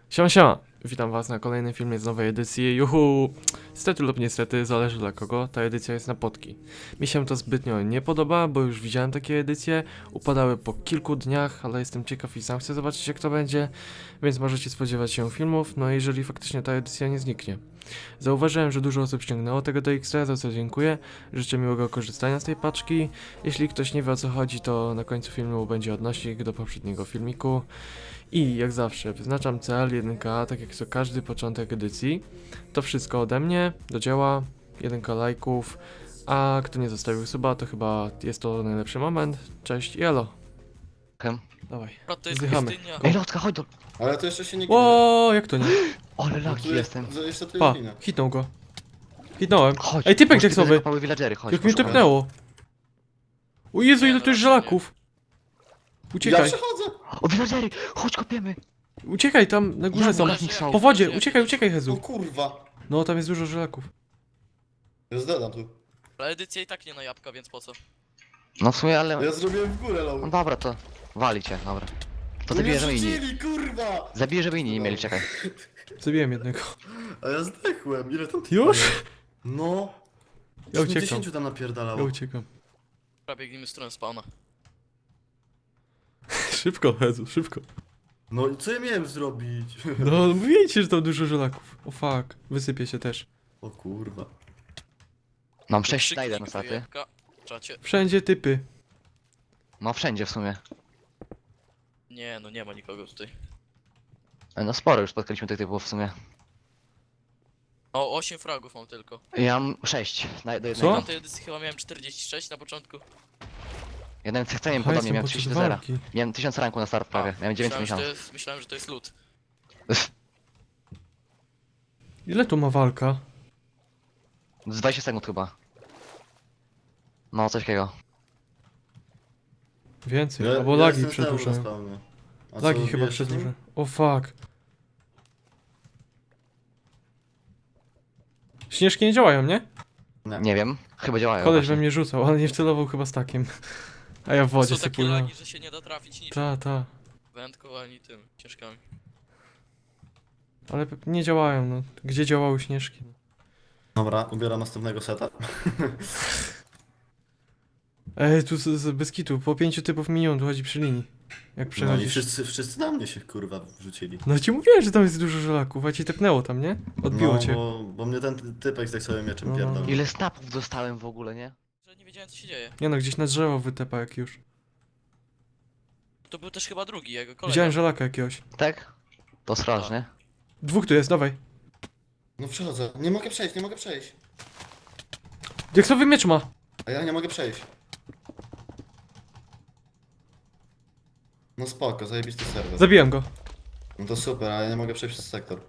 Siema, siema! Witam was na kolejnym filmie z nowej edycji. Juhu! Niestety lub niestety, zależy dla kogo, ta edycja jest na potki. Mi się to zbytnio nie podoba, bo już widziałem takie edycje, upadały po kilku dniach, ale jestem ciekaw i sam chcę zobaczyć jak to będzie, więc możecie spodziewać się filmów, no jeżeli faktycznie ta edycja nie zniknie. Zauważyłem, że dużo osób ściągnęło tego do Xtra, za co dziękuję. Życzę miłego korzystania z tej paczki. Jeśli ktoś nie wie o co chodzi, to na końcu filmu będzie odnośnik do poprzedniego filmiku. I jak zawsze wyznaczam cel 1K, tak jak co każdy początek edycji. To wszystko ode mnie, do dzieła, 1K lajków, a kto nie zostawił suba, to chyba jest to najlepszy moment. Cześć i elo. Dawaj. To jest Zdychamy. pustynia. Ej, Lotka, chodź do... Ale to jeszcze się nie Ło, jak to nie? Ale No laki tu jestem. Jeszcze tu Pa, jest lina. hitnął go. Hitnąłem. Chodź. Ej, typek może tekstowy. tutaj zakopały villagery, chodź. Jak mnie poszukamy. tepnęło. O Jezu, Nie, ile no tu jest raczej nie. żelaków. Ja Uciekaj, przechodzę! O, villagery! Chodź, kopiemy! uciekaj, tam na górze są. Dobra, niech są. Po wodzie, uciekaj, O Jezu. kurwa! No, tam jest dużo żelaków. Ja zdadam tu. Ale edycja i tak nie na jabłka, więc po co? No w sumie, ale... Ja zrobiłem w górę, No low. dobra, to... Wali cię, dobra. To No zabiję, mnie żeby inni... rzucili, kurwa! Zabiję, żeby inni nie mieli, czekaj. Zabiłem jednego. A ja zdechłem, ile tam Już? No. Ja uciekam. 10 tam napierdalało. Ja uciekam. Prawie biegniemy w stronę spawna. Szybko, Jezu, szybko. No i co ja miałem zrobić? No, mówię ci, że tam dużo żelaków. O fuck, wysypie się też. O kurwa. Mam 6 Krzyknik Snyder na staty. jabłka w czacie. Wszędzie typy. No wszędzie w sumie. Nie, no nie ma nikogo tutaj. No sporo już spotkaliśmy tych typów w sumie. O, 8 fragów mam tylko. Ja mam 6 do jednego. Co? Na tej edycji chyba miałem 46 na początku. Jeden chceniem Aha, podobnie, jestem miałem podczas 30 do 0. walki. Miałem 1000 ranku na start prawie, miałem 9 myślałem, miesięcy. myślałem, że to jest lód. Ile tu ma walka? Z 20 sekund chyba. No, coś takiego. Więcej, Ja, albo ja lagi jestem znowu na przedłużają. spawnie. A Lagi co, chyba bijesz się z nim? przedłużają. O fuck. Śnieżki nie działają, nie? Nie wiem, chyba działają. Koleś we właśnie. mnie rzucał, ale nie wcelował chyba stakiem. A ja w wodzie Są sobie takie płynąłem. lagi, że się nie da trafić niczym. Ta. Wędką ani tym, ciężkami. Ale nie działają, no. Gdzie działały śnieżki? Dobra, ubieram następnego seta. Ej, tu bez kitu, po 5 typów minion tu chodzi przy linii. Jak No i przechodzisz. wszyscy na mnie się kurwa wrzucili. No ci mówiłem, że tam jest dużo żelaków, a ci tepnęło tam, nie? Odbiło No, cię. bo mnie ten typek z sobie mieczem No. pierdolał. Ile snapów dostałem w ogóle, nie? Że nie wiedziałem co się dzieje. Nie no, gdzieś na drzewo wytepa jak już. To był też chyba drugi jego kolega. Widziałem żelaka jakiegoś. Tak? To straż, nie? Dwóch tu jest, dawaj. No przechodzę. Nie mogę przejść, nie mogę przejść. Diaksowy miecz ma! A ja nie mogę przejść. No spoko, zajebisty serwer. Zabiłem go. No to super, ale ja nie mogę przejść przez sektor.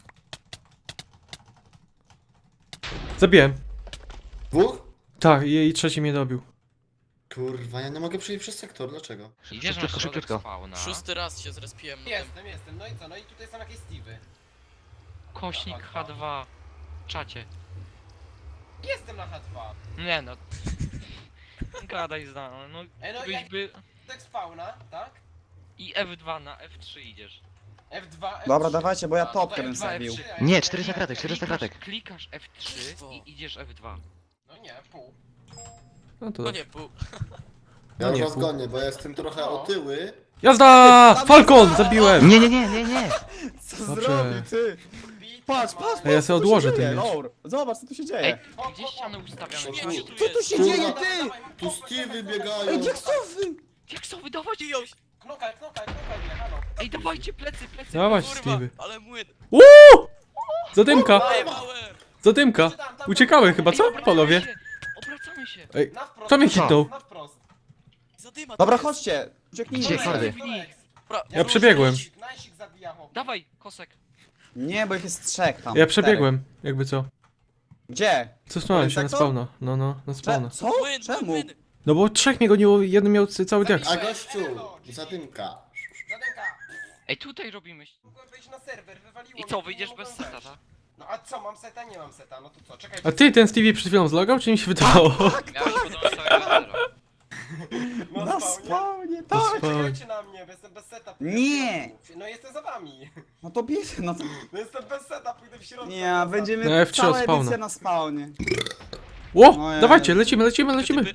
Zabiłem. Dwóch? Tak, i trzeci mnie dobił. Kurwa, ja nie mogę przejść przez sektor, dlaczego? Idziesz na Szybciutko, środek szybciutko. spawna. 6 raz się zrespiłem na tym. Jestem, no i co? No i tutaj są jakieś Steve'y. Kośnik H2. Czacie. Jestem na H2. Nie no. Gadaj znano, no No byś jak by... tak spawna, tak? I F2 na F3 idziesz. F2, F3. Dobra, dawajcie, bo ja A, topkę tutaj bym F2, zabił. F3, a Nie, ja 400 kratek, nie, 400 kratek. Klikasz F3 i idziesz F2. No nie, pół. No to No dobrze. nie, pół. Ja No nie, was pół. gonię, bo ja jestem trochę otyły. Jazda! Falcon! Zabiłem! Nie, nie, nie, nie, nie! Co Dobrze. zrobił, ty? Patrz, patrz, Ej, ja co sobie tu odłożę się ten dzieje, miecz. Laur. Zobacz, co tu się Ej, dzieje. gdzie ściany ustawiane? Śmieciu tu Co tu jest. się Kurwa. dzieje, ty? Tu Steve'y biegają. Ej, diaksowy! Jak są wydawać? Knokaj mnie, halo. Ej, dawajcie plecy, plecy. Dawać, Kurwa, Stevie. ale młyn. Zadymka! Zajebałem. Zadymka! Uciekały chyba, co? Panowie? Obracamy się. Ej, Na wprost. kto mnie hitnął? Na wprost. Zadyma Dobra, to jest. chodźcie. Ucieknijcie. Gdzie, kordy? Dobra, Ja przebiegłem. Najsik zabija chłop. Dawaj, kosek. Nie, bo ich jest trzech tam. Ja przebiegłem, jakby co. Cztery. Gdzie? Cofnąłem się na tak to? spawna. No, na spawna. Co? Młyn, Czemu? młyn. No bo trzech mnie goniło, jeden miał cały diaks. A gościu, zadymka. Zadęka. Ej, tutaj robimy. Mogłem wejść na serwer, wywaliło I mnie, co, nie wyjdziesz mogłem bez seta, wejść. tak? No a co, mam seta? Nie mam seta, no to co, czekaj. A ty, ten Stevie przed chwilą zlogał, czy mi się wydawało? Miałeś podobno całego zero. No Na spawnie. spawnie, Na tak! spawnie. Czekajcie na mnie, bo jestem bez seta. pójdę w Nie. środku. No jestem za wami. No to bierz, no to... No jestem bez seta, pójdę w środku. Nie, będziemy No, F3 cała od spawna. edycja na spawnie. Ło! No ja- Dawajcie, lecimy.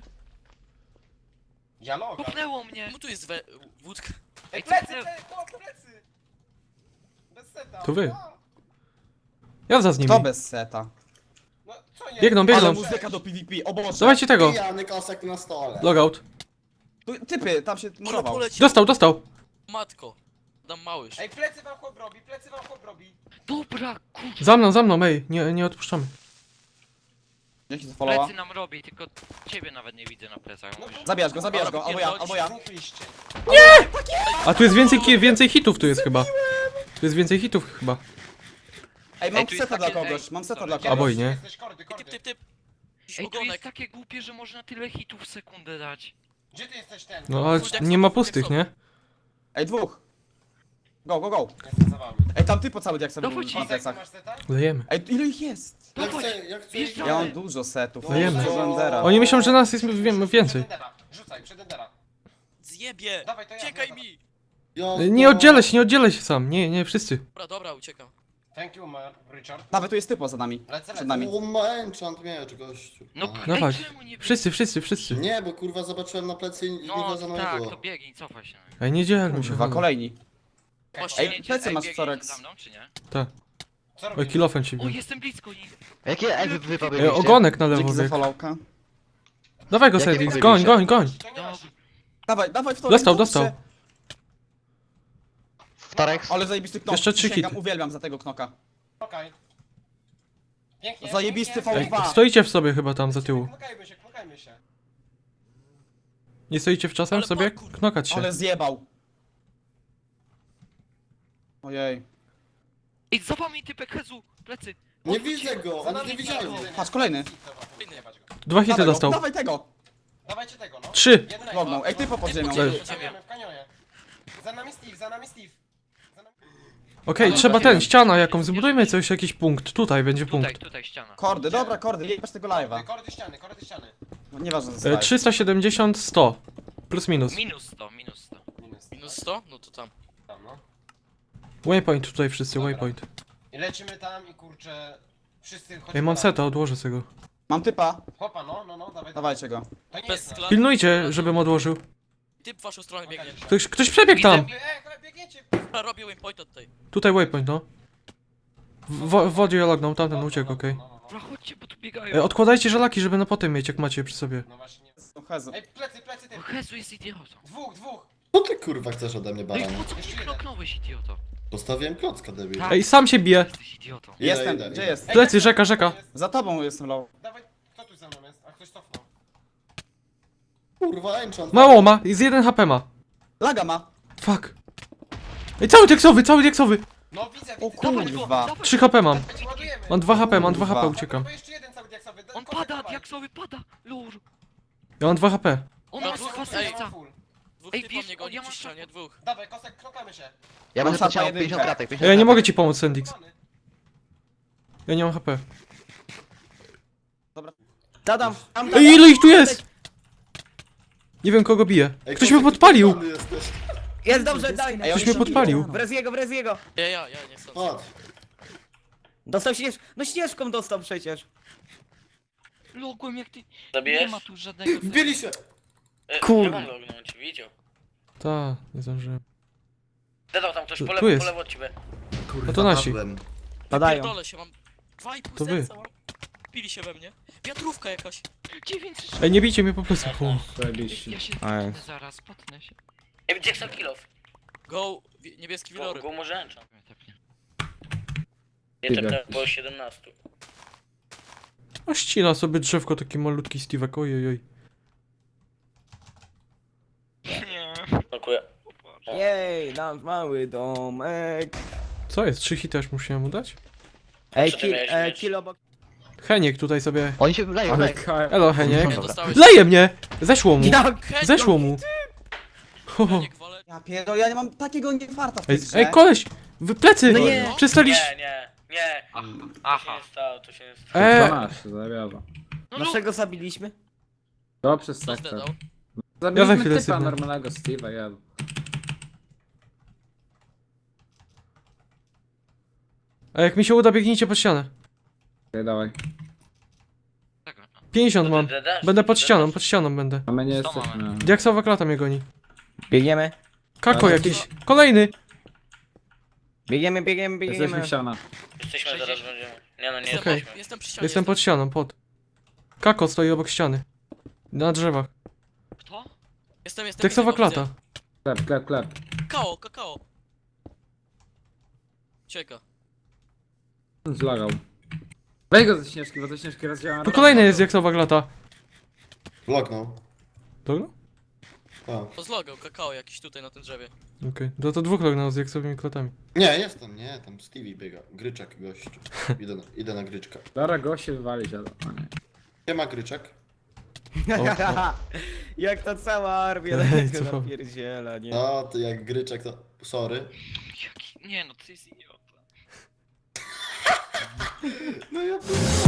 Ja loga. Popnęło mnie. Czemu tu jest wódka? Ej, co plecy, ty- plecy! Bez seta. To wy. A, Ja za z nimi. Kto bez seta? No co jest? Biegną. Ale muzyka do PvP, o Boże! Dawajcie tego. Pijany kosek na stole. Logout. Tu, typy, tam się Ale murował. poleciał. Dostał. Matko. Dam małyż. Ej, plecy wam chłop robi. Dobra, kurwa. Za mną, ej, nie odpuszczamy. Dzięki za followa. Plecy nam robi, tylko ciebie nawet nie widzę na plecach. No, Mówisz. Zabijasz go, albo ja. Dwóch liście. A tu jest więcej hitów tu jest chyba. Tu jest więcej hitów chyba. Ej, mam Ej, tu jest seta dla takie- kogoś, ej, mam seta sorry. dla A kogoś. boj, nie? Jesteś kordy. Typ. Jakiś Ej, to jest ogonek. takie głupie, że można tyle hitów w sekundę dać. Gdzie ty jesteś ten? No ale nie ma pustych, nie? Ej, dwóch. Go. Jestem za wami. Ej, tam ty po cały jak sobie Dawaj na ci. Kosek, plecach. masz seta? Lejemy. Ej, ile ich jest? Jak Dawaj. chcę, jak chcę. Wjeżdżamy. Ja mam dużo setów. Dajemy. Dużo Endera. Oni myślą, że nas jest więcej. Przed Endera. Rzucaj, przed Endera. Zjebie. Dawaj, to ja. Uciekaj dobra. mi. Nie oddzielę się sam. Nie wszyscy. Dobra, uciekam. Thank you, Richard. Nawet tu jest typo za nami. Lecę. Przed nami. O, ma enchant miecz, gościu. No, Aha. Dawaj. ej, czemu nie Wszyscy. Nie, bo kurwa zobaczyłem na plecy i nie No, wiedział za mną tak, było. to biegnij, cofaj się. Ej, nie dzielmy się. Kurwa, kolejni. Właśnie. Ej, plecy masz, biegniecie Sorex. za mną, czy nie? Co Oj, robisz? kilofem ci O, bił. jestem blisko nich. Jakie ej, wy pobiliście? Ogonek na lewo Dzięki za bieg. followka. Dawaj go, Jakie Sedix, pobiliście? goń. To nie No, masz. Dawaj w to. Dostał. Wtorek? Ale zajebisty knok. Jeszcze 3 Przysięgam, hity. uwielbiam za tego knoka. Okej. Pięknie. Zajebisty pięknie. Ej, V2. stoicie w sobie chyba tam za tyłu. Knukajmy się. Nie stoicie w czasem Ale sobie? parkour. Knokać się. Ale zjebał. Ojej. Ej, za wami typek Hezu, plecy. Nie widzę go, Za oni nami nie widzieli. Patrz, kolejny. Dobra, jebać go. 2 hity Dawaj go, dostał. Dawaj tego. Dawajcie tego, no. 3. Jednego. Lognął. Ej, typo pod ziemią. Typo Leży. pod ziemią. W kanionie. Za nami Steve. Za nami... Okej, trzeba ściana jakąś. Zbudujmy coś, jakiś punkt. Tutaj będzie punkt. Tutaj ściana. Kordy, dobra, kordy, jebać tego live'a. Kordy ściany. No, nieważne, co jest 370, 100. Plus minus. Minus 100. Minus 100? No to tam. Tam, no. Waypoint tutaj wszyscy, Dobra. waypoint. I lecimy tam i kurczę... Wszyscy chodzimy. Ej, mam tam. seta, odłożę sobie go. Mam typa, Hopa, no, dawaj. dawajcie go. To nie Bez jest nasz. skla. Pilnujcie, żebym odłożył. Typ w waszą stronę biegnie. Ktoś przebiegł tam. Biegniecie. Robię waypoint od tej. Tutaj waypoint, no. W wodzie lognął, tamten uciekł, okej. No. Dobra, chodźcie, bo tu biegają. Odkładajcie żelaki, żeby na potem mieć, jak macie je przy sobie. No właśnie. No, Hezu. Ej, plecy, ty. O, Hezu jest idiotą. Dwóch. Co ty kurwa chcesz ode mnie, No i baranie? po co mnie knoknąłeś, idioto? Postawiłem klocka, debil. Tak. Ej, sam się bije. Jesteś idiotą. Jestem, idę. gdzie jest? Ej, Plecy, jak to rzeka. jest? Za tobą jestem low. Dawaj, kto tu ze mną jest? A ktoś cofnął. Kurwa, enchant. Mało ma, z 1 HP ma. Laga ma. Fuck. Ej, cały teksowy. No widzę, O Dawaj go, kurwa. dawaj 3 HP mam. Ładujemy. Mam 2 HP, Kurwa. uciekam. Bo jeszcze jeden cały diaksowy. On Kosek, pada, dawaj. diaksowy pada. Lur. Ja mam 2 HP. On No, ma dwóch, dwa ej. serca. Dwóch Ej, typów wiesz, mnie goni ja przy mam ścianie, dwóch. Dawaj, kosek, klokamy się. Ja Mam będę szata chciał jedynkę. 50 kratek, 50 Ja nie kratek. mogę ci pomóc, Sendix. Klokamy. Ja nie mam HP. Dadam. Ej, ile ich tu jest? Nie wiem, kogo bije. Ej, Ktoś kosek, mnie podpalił. ty jesteś. Jest dobrze, daj! Ej, Ktoś oni mnie są podpalił. Wrez jego! Ja nie chcę. Chodź. Dostał śnieżką, no śnieżką dostał przecież! Logłem jak ty. Nie Zabijesz? ma tu żadnego. Wbili się. Kurde. Nie mam lognąć, widział. Ta, nie zdążyłem. Dedał tam ktoś Tu jest. od ciebie. Kurwa, No to nasi. padłem. Padają. Pierdolę się, mam 2,5 To wy. serca mam. Pili się we mnie. Wiatrówka jakaś. 9 Ej, nie bijcie mnie po plecach. O. Ja się potnę zaraz, potnę się. Ej, Jackson Killow. Go, niebieski wiloryb. Go może enchant. Tepnie. Nie tepnę, było 17. A ścina sobie drzewko, taki malutki Steve'ek, ojej. Nie. Dziękuję. Jej, nasz mały domek. Co jest? 3 hity aż musiałem mu dać? Ej, Co ty miałeś mieć? kill obok. Heniek tutaj sobie... Oni się leją, leją. Elo, Heniek. Nie dostałeś. Leje mnie! Zeszło mu. Jak? Zeszło mu. Ho, ho. Heniek wale. Ja pierdolę, ja nie mam takiego niefarta w tej Ej, grze. ej, koleś! Wy plecy! No nie. Przestaliście... Nie. Aha. Stało, to się nie stało. 12, zawiaza. No Naszego zabiliśmy? To przez Co sektor. zdedał? Zabiliśmy chwilę typa sypnę. normalnego Steve'a, ja. A jak mi się uda, biegnijcie pod ścianę. Okej, dawaj. 50 mam. Będę pod ścianą będę. A my nie Sto jesteśmy. mamy. Diaksowa klata mnie goni. Biegniemy. Kako Ale jakiś. Kolejny! Biegniemy. Jesteśmy w ściana. Jesteśmy, zaraz będziemy. Nie no, nie Jestem, Okej. jestem przy ścianie. Jestem pod ścianą, pod. Kako stoi obok ściany. Na drzewach. Kto? Jestem Diaksowa widzę go, klata. Klep. widzę. Kakao. Cieka. Zlagał. Weź go ze śnieżki, bo ze śnieżki rozdziała. Tu kolejny jest diaksowa klata. Vlognął. Dobra? A. To zlogał, kakao jakiś tutaj na tym drzewie. Okej. To dwóch lognał z diaksowymi klatami. Nie, jestem, nie, tam Stevie biega. Gryczak gościu. Idę na gryczka. Dobra, go się wywalić, ale... O nie. Nie ma gryczek. Jak ta cała armia Ej, tego co? napierdziela, nie? No, to jak gryczek to... Sorry. Jaki? Nie no, ty jest idiota. No ja